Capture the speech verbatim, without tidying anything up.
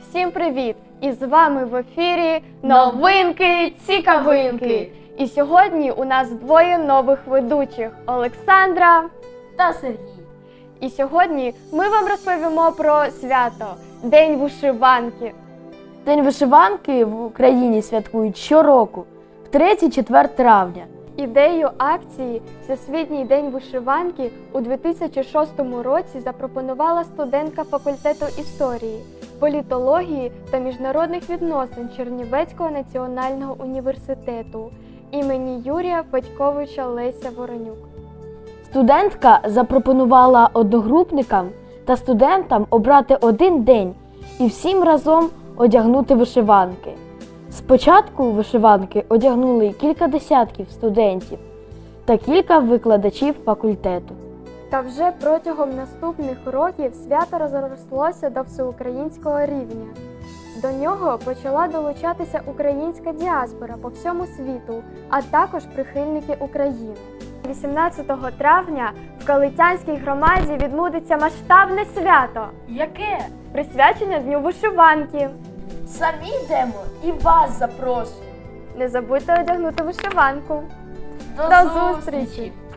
Всім привіт! І з вами в ефірі новинки цікавинки. І сьогодні у нас двоє нових ведучих – Олександра та Сергій. І сьогодні ми вам розповімо про свято – День вишиванки. День вишиванки в Україні святкують щороку, в третє-четверте травня. Ідею акції «Всесвітній день вишиванки» у дві тисячі шостому році запропонувала студентка факультету історії, політології та міжнародних відносин Чернівецького національного університету імені Юрія Федьковича Леся Воронюк. Студентка запропонувала одногрупникам та студентам обрати один день і всім разом одягнути вишиванки. Спочатку вишиванки одягнули кілька десятків студентів та кілька викладачів факультету. Та вже протягом наступних років свято розрослося до всеукраїнського рівня. До нього почала долучатися українська діаспора по всьому світу, а також прихильники України. вісімнадцятого травня в Калитянській громаді відбудеться масштабне свято. Яке? Присвячене Дню вишиванки. Самі йдемо і вас запрошуємо. Не забудьте одягнути вишиванку. До, До зустрічі! зустрічі!